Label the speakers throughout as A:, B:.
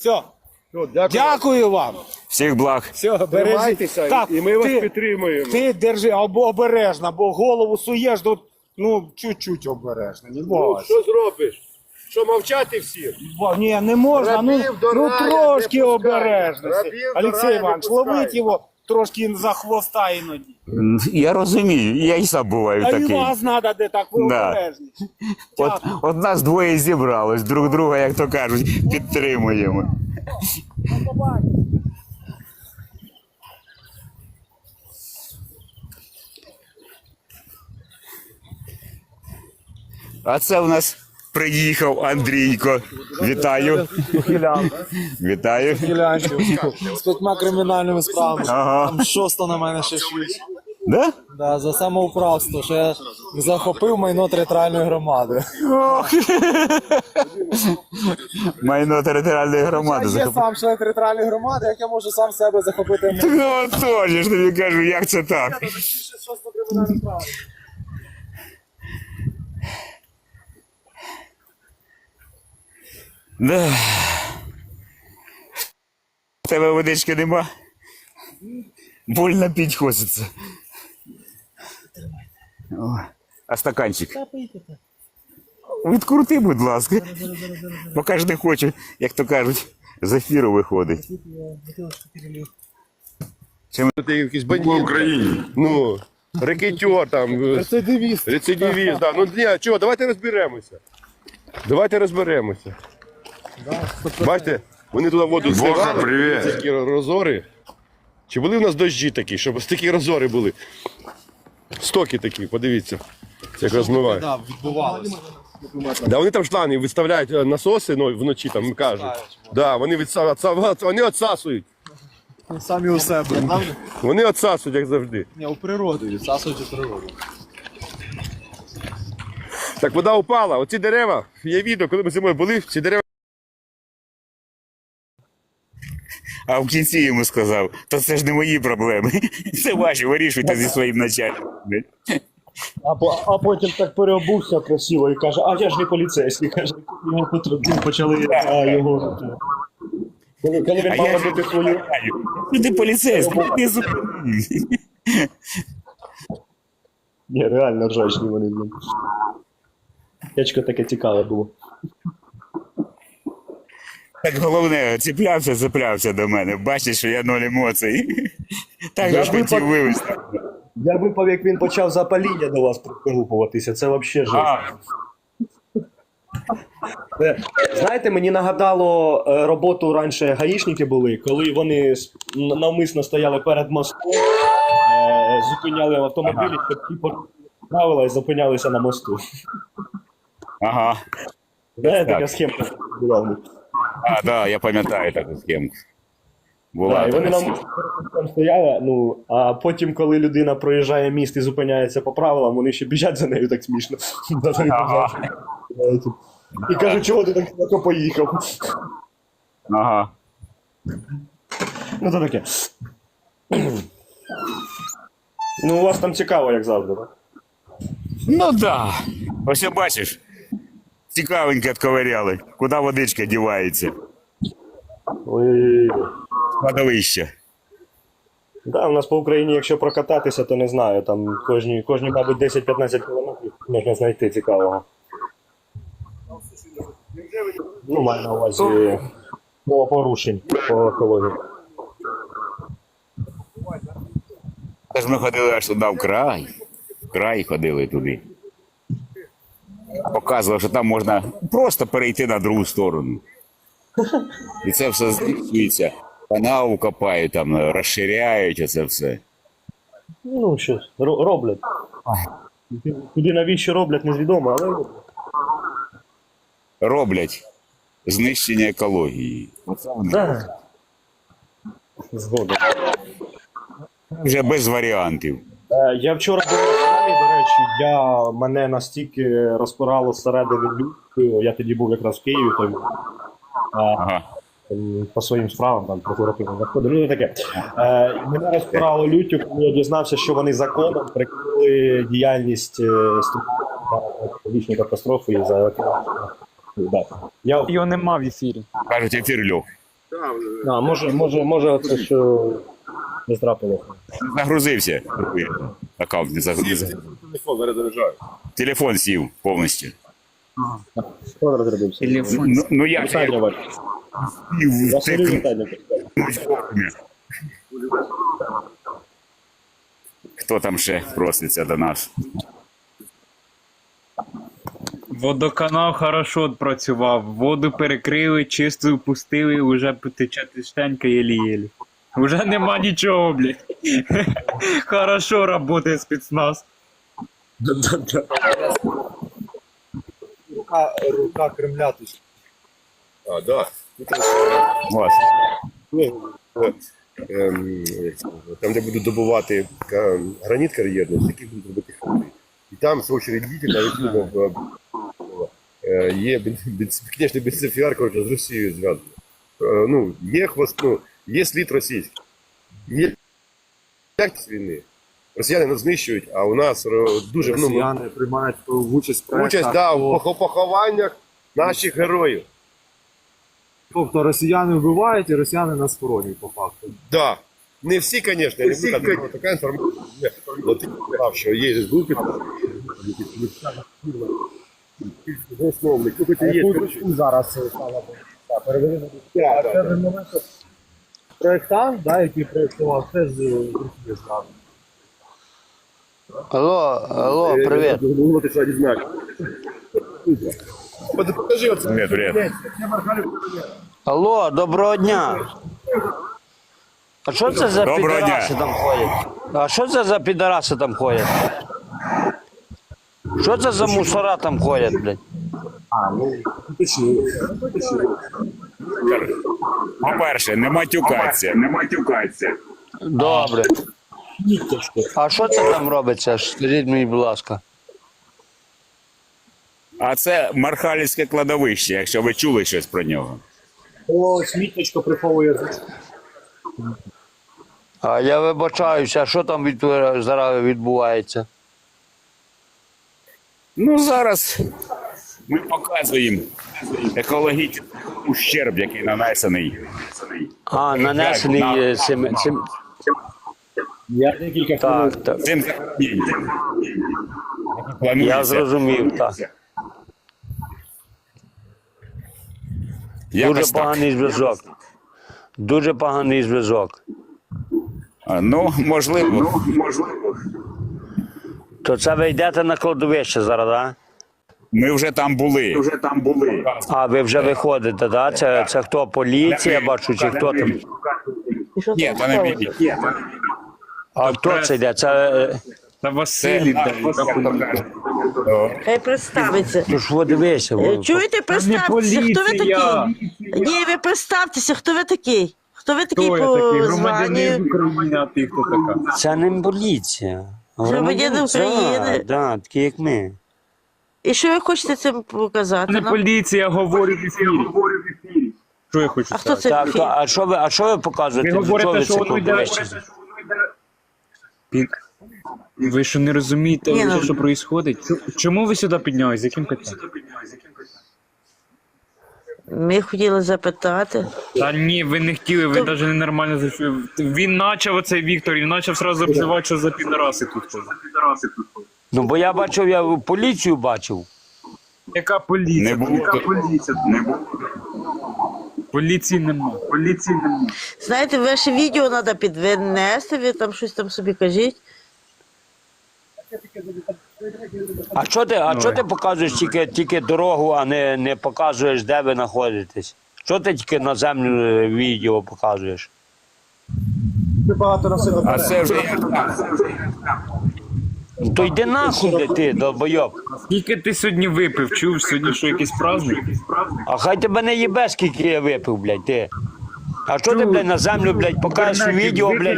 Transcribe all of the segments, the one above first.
A: Все.
B: Дякую.
A: Дякую вам.
C: Всіх благ.
A: Все,
B: Тримайтеся,
A: так,
B: і ми вас підтримуємо.
A: Ти держи обережно, бо голову суєш, чуть-чуть обережно. Не
B: Ну,
A: бойся.
B: що зробиш? Що, мовчати всім?
A: Ні, не можна,
B: Рабів до раю
A: трошки
B: не пускай.
A: обережно.
B: Рабів до
A: Олексій
B: раю не
A: Іванович,
B: пускай.
A: ловіть його трошки за хвоста іноді.
C: Я розумію, я і сам буваю
A: А і
C: такий.
A: вас треба, де так ви
C: Да.
A: обережні.
C: От нас двоє зібралось, друг друга, як то кажуть, підтримуємо. А це в нас приїхав Андрійко. Вітаю. Вітаю.
D: З 5 кримінальними справами.
C: Ага.
D: Там 6 на мене ще 6.
C: Да?
D: Да, за самоуправство, що я захопив майно територіальної громади.
C: Майно територіальної громади
D: Я є
C: захопив.
D: сам член територіальної громади, як я можу сам себе захопити.
C: Ну, тож, я ж тобі кажу, як це так? Да. В тебе водички нема? Больно пить хочеться. О, а стаканчик? Відкрути, будь ласка. Бо кожен не хоче, як то кажуть, з ефіру виходить.
B: Ти якийсь бандит. В Україні. Ну, рекетер там. Рецидивіст. Рецидивіст, да. Ну, ні, чого, давайте розберемося. Давайте розберемося. Бачите, вони туди воду зливали, такі розори. Чи були в нас дощі такі, щоб такі розори були? Стоки такі, подивіться, як розмивають.
D: Так, відбувалося.
B: Да, вони там шланги виставляють насоси вночі, там кажуть. Да, вони відсасують.
D: Самі у себе.
B: Вони відсасують, як завжди.
D: Ні, у природу, відсасують у природу.
B: Так, вода упала, оці дерева, є відео, коли ми зимою були, ці дерева.
C: А в кінці йому сказав, то це ж не мої проблеми. Це ваші, вирішуйте зі своїм начальником.
E: А потім так переобувся красиво і каже, а я ж не поліцейський, каже, його почали його. Коли він мав робити свою.
C: Ти поліцейський, ти зупинив.
E: Ні, реально ржачні вони. Ячко таке цікаве було.
C: Так головне, цеплявся до мене. Бачиш, що я ноль емоцій. Так же ж хотів вивезти.
E: Я випав, як він почав запаління до вас пригрупуватися, це взагалі жесть. Знаєте, мені нагадало роботу раніше гаїшники були, коли вони навмисно стояли перед мостом, зупиняли автомобілі, щоб ті правила і зупинялися на мосту.
C: Ага.
E: Знаєте, така схема була в них.
C: А, так, я пам'ятаю таку схемку. Була
E: І вони
C: така
E: нам там стояли, а потім, коли людина проїжджає міст і зупиняється по правилам, вони ще біжать за нею так смішно. І кажуть, чого ти так далеко поїхав?
C: Ага.
E: Ну, то таке. Ну, у вас там цікаво, як завжди, так?
C: Ну да. Ось бачиш, цікавенько відковиряли. Куди водичка дівається?
E: Ой.
C: Кладовище.
E: Да, у нас по Україні, якщо прокататися, то не знаю, там кожні мабуть, 10-15 кілометрів можна знайти цікавого. Ну, маю на увазі порушень по екології.
C: Тож ми ходили аж туди в край ходили туди. Показував, що там можна просто перейти на другу сторону. І це все знищується. Канаву копають, там, розширяють оце все.
E: Ну, що, роблять. Куди навіщо роблять, незвідомо, але роблять.
C: Роблять знищення екології. Оце вони.
E: Да. Згодом.
C: Вже без варіантів.
E: Я вчора був в Італії, до речі, мене настільки розпирало зсередини люттю, я тоді був якраз в Києві,
C: Ага.
E: по своїм справам, там, прокуратурним заходом, ну таке. Мене розпирало люттю, коли я дізнався, що вони законом прикрили діяльність екологічної катастрофи за екологічну. Да.
D: Його нема в ефірі.
C: Кажуть, ефір льох.
E: Може оце що не трапилося.
C: Загрузився. Аккаунт не загрузився.
B: Телефон заряджаю.
C: Телефон сів повністю.
E: Хто розробився?
C: Ну як
E: Вітання,
C: я
E: Вадь. Василю, вітання.
C: Хто там ще проситься до нас?
F: Водоканал хорошо працював, воду перекрили, чисту пустили, уже потече тишенька єлі-єлі. Уже нема нічого, блядь. Хорошо работає спецназ.
D: Рука Кремля тут.
B: А, да.
C: Ось.
B: Там, де будуть добувати граніт кар'єрний, такі будуть робити хати. І там, в свою очередь, діти навіть є, звісно, бензофіар, коротше, з Росією зв'язано. Ну, є хвост, ну, є слід російський. Є якість війни. Росіяни нас знищують, а у нас дуже...
D: Росіяни приймають участь в проєктах.
B: Участь, да, в похованнях наших героїв.
D: Тобто росіяни вбивають і росіяни нас хоронять, по факту.
B: Да. Не всі, звісно, не всі, така інформація. Але ти сказав, що є групи, засновник, ну, хоч і є.
D: Зараз стала перевели на проєктант, да, який проєктував, теж з Росії знав.
G: Алло, привіт.
B: Ну, ти що, дізнався. Покажи оце.
C: Привіт.
G: Алло, доброго дня. А що це за
C: Доброго
G: підараси
C: дня.
G: там ходять? А що це за підараси там ходять? Що це за мусора там ходять, блядь?
C: По-перше, не матюкаться.
G: Добре. А що це там робиться? Скажіть мені, будь ласка.
C: А це Мархалівське кладовище, якщо ви чули щось про нього.
E: О, смітничко приховує.
G: А я вибачаюся, а що там зараз відбувається?
C: Ну, зараз ми показуємо екологічний ущерб, який нанесений.
G: А, нанесений цим...
E: Я декілька хвилин.
G: Так.
C: Цим захороненням.
G: Я
C: Планується.
G: зрозумів, так. Дуже
C: Якось так.
G: поганий зв'язок. Дуже поганий зв'язок.
C: Ну, можливо.
G: То це ви йдете на кладовище зараз, так?
C: Ми вже там були.
G: А, ви вже виходите, так? Це хто? Поліція, бачу, чи хто там?
C: Ні, то не міліція.
G: А хто це йде? Це...
F: Та Василій,
H: Хай представиться.
G: Ну ж, дивися.
H: Чуєте, представтеся, хто ви
F: поліція.
H: такий? Ні, ви представтеся, хто ви такий? Хто ви такий
F: Хто я
H: по
F: такий?
H: званню?
F: Громадянин України, а ти хто така?
G: Це не поліція.
H: Громадяни України.
G: Так, такі як ми.
H: І що ви хочете цим показати?
F: Не
H: нам?
F: поліція, говорю в ефірі. Що я хочу
H: А хто
F: сказати?
H: це?
G: Так, а що ви показуєте?
F: Ви
G: До чого
F: говорите,
G: ви
F: що
G: це
F: воно йде.
G: кладовище?
F: Ви що не розумієте,
H: Ні, ну-
F: що відбувається? Чому ви сюди піднялись? З яким питанням?
H: Ми хотіли запитати.
F: Та ні, ви не хотіли, ви навіть ненормально зайшли. Він почав оцей Віктор, він почав одразу обзивати, що за підараси тут ходять.
G: Ну, бо я бачив, я поліцію бачив.
F: Яка поліція?
C: Не було.
F: Яка поліція? Поліції нема.
H: Знаєте, ваше відео треба підвинести, ви там щось там собі кажіть.
G: А що ти показуєш тільки дорогу, а не показуєш, де ви знаходитесь? Що ти тільки на землю відео показуєш?
C: А це вже
G: Ну, то йди нахуй, де ти, долбойоб.
F: Скільки ти сьогодні випив? Чув, сьогодні що якийсь праздник?
G: А хай тебе не їбе, скільки я випив, блядь, ти. А що ти, блядь, на землю, блядь, покажеш відео, блядь,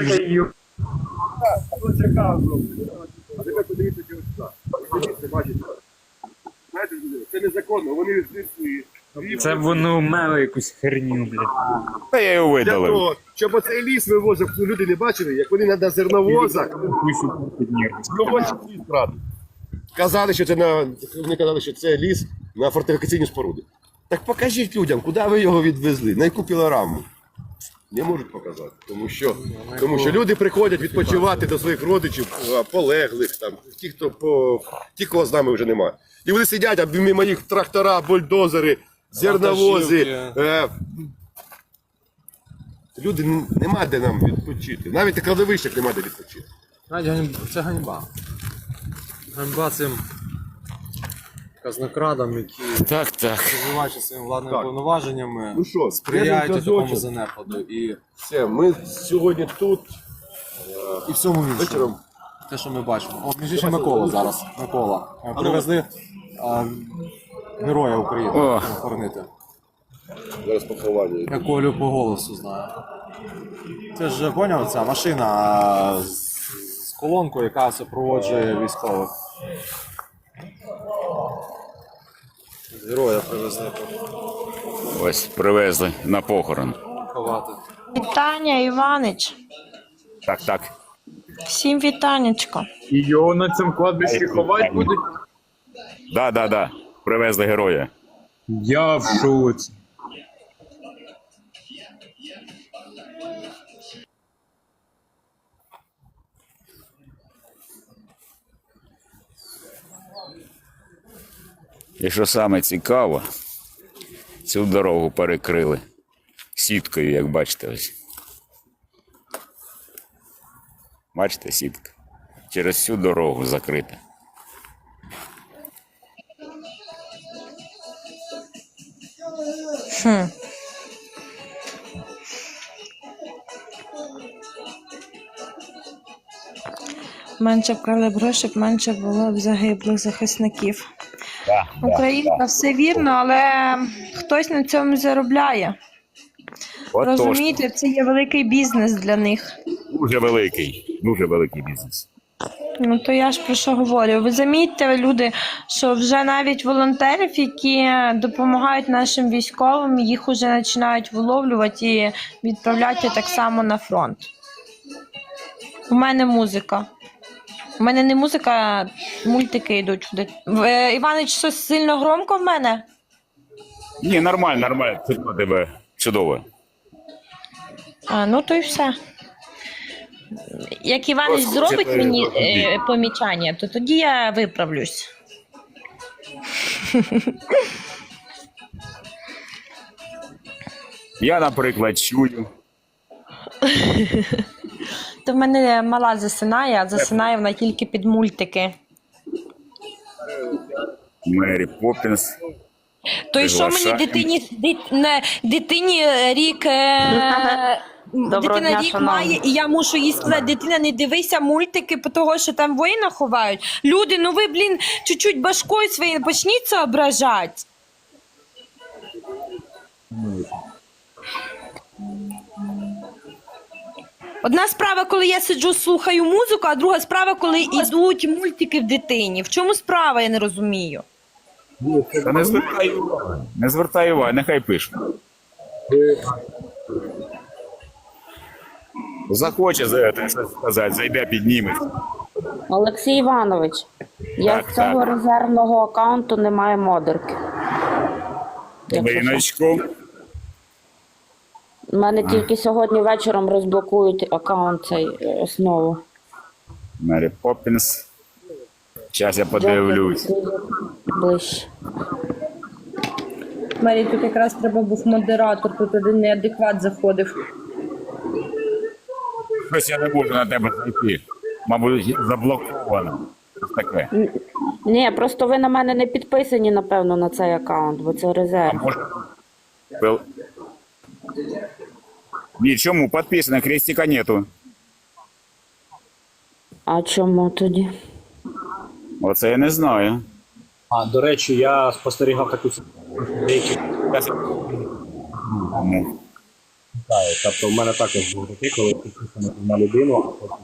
B: Це незаконно, вони відсутні.
F: Це воно мело якусь херню, блядь.
C: я його
B: Для
C: видалив.
B: того, щоб оцей ліс вивозив, люди не бачили, як вони на зерновозах вивозять ліс брати. Казали, що це вони казали, що це ліс на фортифікаційні споруди. Так покажіть людям, куди ви його відвезли, на яку пілораму. Не можуть показати, тому що люди приходять відпочивати до своїх родичів, полеглих, там, ті, кого з нами вже немає. І вони сидять, а мимо їх трактора, бульдозери, зерновози. Люди, нема де нам відпочити. Навіть на кладовищах нема де відпочити.
D: Це ганьба. Ганьба цим казнокрадам, які,
C: Так.
D: розвиваючи своїми владними повноваженнями,
B: Ну що,
D: сприяють
B: зв'язок,
D: такому занепаду. І
B: Все, ми сьогодні тут.
D: І в цьому іншому.
B: Вечором.
D: Те, що ми бачимо. О, між іншим, Микола зараз. Микола. Привезли Героя України охоронити.
B: Зараз поховання.
D: Я Колю по голосу знаю. Це ж, поняв, ця машина з колонкою, яка супроводжує військових. Героя привезли
C: Ось привезли на похорон.
D: поховати.
H: Вітання, Іванич.
C: Так.
H: Всім вітанечко.
F: І його на цьому кладбищі ховати будуть?
C: Да. Привезли героя.
F: Я в шоці.
C: І що саме цікаво, цю дорогу перекрили сіткою, як бачите ось. Бачите, сітка? Через всю дорогу закрита.
I: Менше вкрали б грошей, менше було б загиблих захисників. Українка, все вірно, але хтось на цьому заробляє. Розумієте, це є великий бізнес для них.
C: Дуже великий бізнес.
I: Ну то я ж про що говорю. Ви замітьте, люди, що вже навіть волонтерів, які допомагають нашим військовим, їх вже починають виловлювати і відправляти так само на фронт. У мене музика. У мене не музика, а мультики йдуть. Іванич, щось сильно громко в мене?
C: Ні, нормально. Чудово тебе. Чудово.
I: Ну то й все. Як Іванич зробить мені помічання, то тоді я виправлюсь.
C: Я, наприклад, чую.
I: То в мене мала засинає, а засинає вона тільки під мультики.
C: Мері Поппінс.
I: То й що мені дитині рік... Дитина рік має, і я мушу їй сказати, дитина, не дивися мультики, того, що там воїна ховають. Люди, ну ви, чуть-чуть башкою своєю почніть соображати. Одна справа, коли я сиджу, слухаю музику, а друга справа, коли йдуть мультики в дитині. В чому справа, я не розумію.
C: Та не звертай уваги, нехай пише. Захоче щось сказати, зайде, підніме.
J: Олексій Іванович, я з цього резервного аккаунту не маю модерки.
C: Маріночку.
J: У мене тільки сьогодні вечором розблокують аккаунт цей основу.
C: Мері Поппінс. Зараз я подивлюсь.
J: Ближче.
I: Марі, тут якраз треба був модератор, тут один неадекват заходив.
C: Щось я не можу на тебе зайти. Мабуть, заблоковано. Щось таке.
J: Ні, просто ви на мене не підписані, напевно, на цей аккаунт, бо це резерв.
C: Ні, чому? Підписано, крестика нету.
J: А чому тоді?
C: Оце я не знаю.
E: До речі, я спостерігав таку деякі. Тобто в мене також було таке, коли підписано на людину, а потім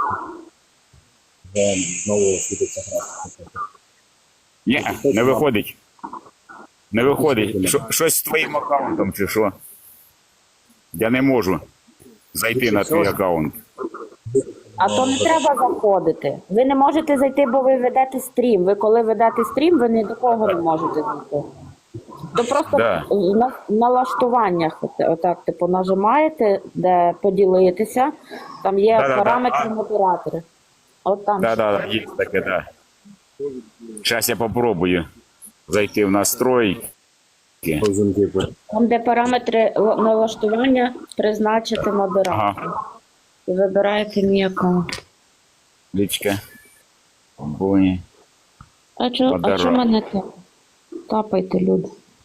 E: знову світиться гра.
C: Ні, не виходить. Не виходить. Щось з твоїм аккаунтом чи що? Я не можу зайти на твій аккаунт.
J: А то не треба заходити. Ви не можете зайти, бо ви ведете стрім. Ви коли ведете стрім, ви ні до кого не можете зайти. То просто
C: Да.
J: на налаштуваннях отак, типу, нажимаєте, де поділитися, там є
C: Да-да-да.
J: параметри модератори. От там.
C: Да, є таке, да. Зараз я попробую зайти в настройки.
J: Там, де параметри налаштування, призначити модератора.
C: Ага.
J: І вибираєте мій аккаунт.
C: Лічка. Бой.
J: А чо мене так? Тапайте, люди.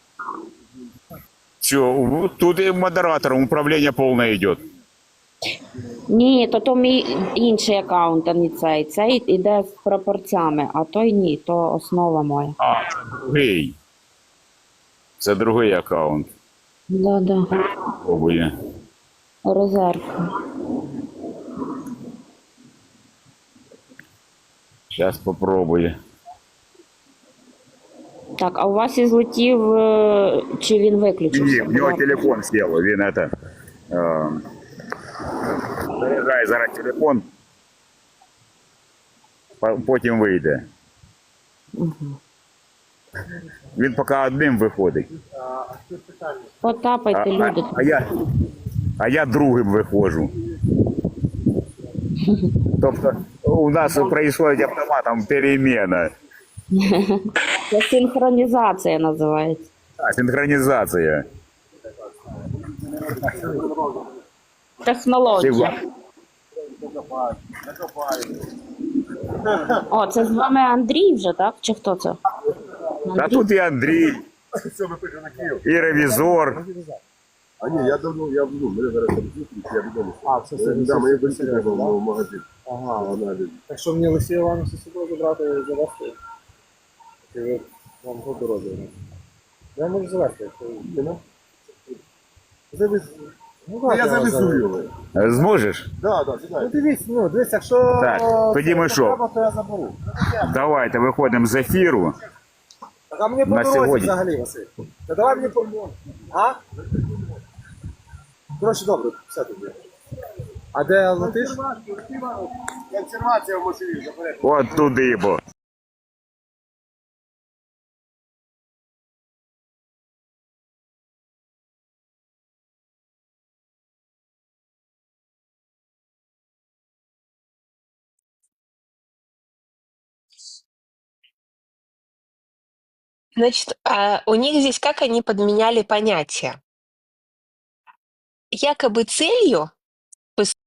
C: Все, тут и модератором управление полное идет.
J: Ні, то мій інший аккаунт, а не цей. Цей іде з пропорцями, а той ні, то основа моя.
C: А, це другий. Це другий аккаунт.
J: Да.
C: Пробує.
J: Резервка.
C: Зараз попробую.
J: Так, а у вас і злетів, чи він виключився?
C: Ні, в нього телефон сів, він это... Заряджає зараз телефон, потім вийде. Він поки одним виходить.
J: Потапайте, люди.
C: А я другим виходжу. Тобто у нас происходит автоматом перемена.
J: Це синхронізація називається.
C: Синхронізація.
J: Технологія. О, це з вами Андрій вже, так? Чи хто це?
C: А тут і Андрій, і ревізор.
B: А ні, я давно, мене зараз там зустріч, я відомо.
D: Це
B: Да, мені дочці треба в магазин. Аналіз.
D: Так що мені Олексія Івановича з собою забрати і завести? Чи ви вам по дорозі? Я можу завести, якщо ви.
B: Я завезу його.
C: Зможеш?
B: Да,
D: Ну дивись, якщо
C: Так, тоді ми що?
D: треба, то я заберу.
C: Давайте виходимо з ефіру.
D: Так, а мені по
C: На
D: дорозі
C: сьогодні.
D: взагалі, Василь. Та давай мені по... А? Коротше, добре, все тоді. А де летиш?
B: Консервація в машині, заперед.
C: От туди, бо.
K: Значит, у них здесь как они подменяли понятия? Якобы целью